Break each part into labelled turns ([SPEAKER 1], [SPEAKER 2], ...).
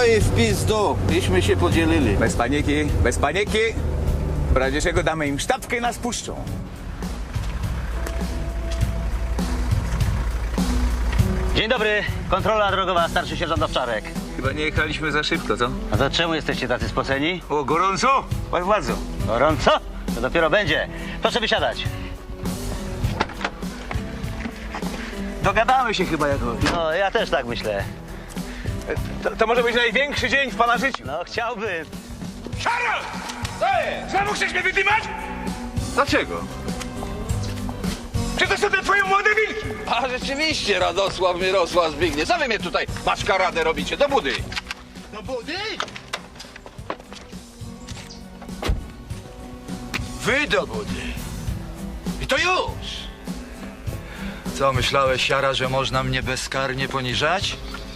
[SPEAKER 1] i w pizdu. Iśmy się podzielili.
[SPEAKER 2] Bez paniki, bez paniki. W razie czego damy im sztabkę i nas puszczą.
[SPEAKER 3] Dzień dobry, kontrola drogowa, starszy sierżant Owczarek.
[SPEAKER 2] Chyba nie jechaliśmy za szybko, co?
[SPEAKER 3] A to czemu jesteście tacy spoceni?
[SPEAKER 2] O, gorąco? Pan władzo.
[SPEAKER 3] Gorąco? To dopiero będzie. Proszę wysiadać.
[SPEAKER 2] Dogadamy się chyba jakoś.
[SPEAKER 3] No, ja też tak myślę.
[SPEAKER 2] To może być największy dzień w pana życiu.
[SPEAKER 3] No, chciałbym.
[SPEAKER 2] Szaro! Co jest? Znowu chcesz mnie wydymać? Dlaczego? Czy to są te twoje młode wilki?
[SPEAKER 1] A rzeczywiście, Radosław, Mirosław, Zbigniew. Co wy mnie tutaj maszkaradę robicie? Do budy.
[SPEAKER 4] Do budy? Wy do budy. I to już. Co, myślałeś, Jara, że można mnie bezkarnie poniżać?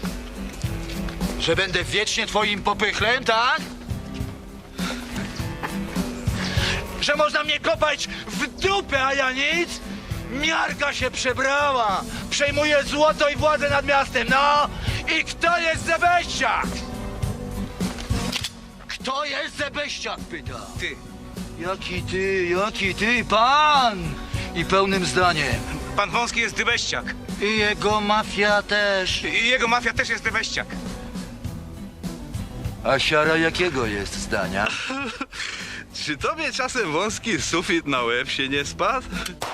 [SPEAKER 4] Że będę wiecznie twoim popychlem, tak? Że można mnie kopać w dupę, a ja nic? Miarka się przebrała. Przejmuje złoto i władzę nad miastem, no! I kto jest Zebeściak? Kto jest Zebeściak, pyta.
[SPEAKER 2] Ty.
[SPEAKER 4] Jaki ty, pan! I pełnym zdaniem.
[SPEAKER 2] Pan Wąski jest dybeściak.
[SPEAKER 4] I jego mafia też.
[SPEAKER 2] I jego mafia też jest dybeściak.
[SPEAKER 4] A siara jakiego jest zdania?
[SPEAKER 5] Czy tobie czasem wąski sufit na łeb się nie spadł?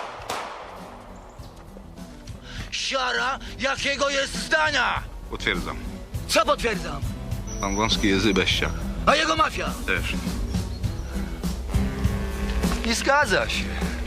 [SPEAKER 4] Siara jakiego jest zdania?
[SPEAKER 5] Potwierdzam.
[SPEAKER 4] Co potwierdzam?
[SPEAKER 5] Pan wąski jest dybeściak.
[SPEAKER 4] A jego mafia?
[SPEAKER 5] Też.
[SPEAKER 4] Nie zgadza się.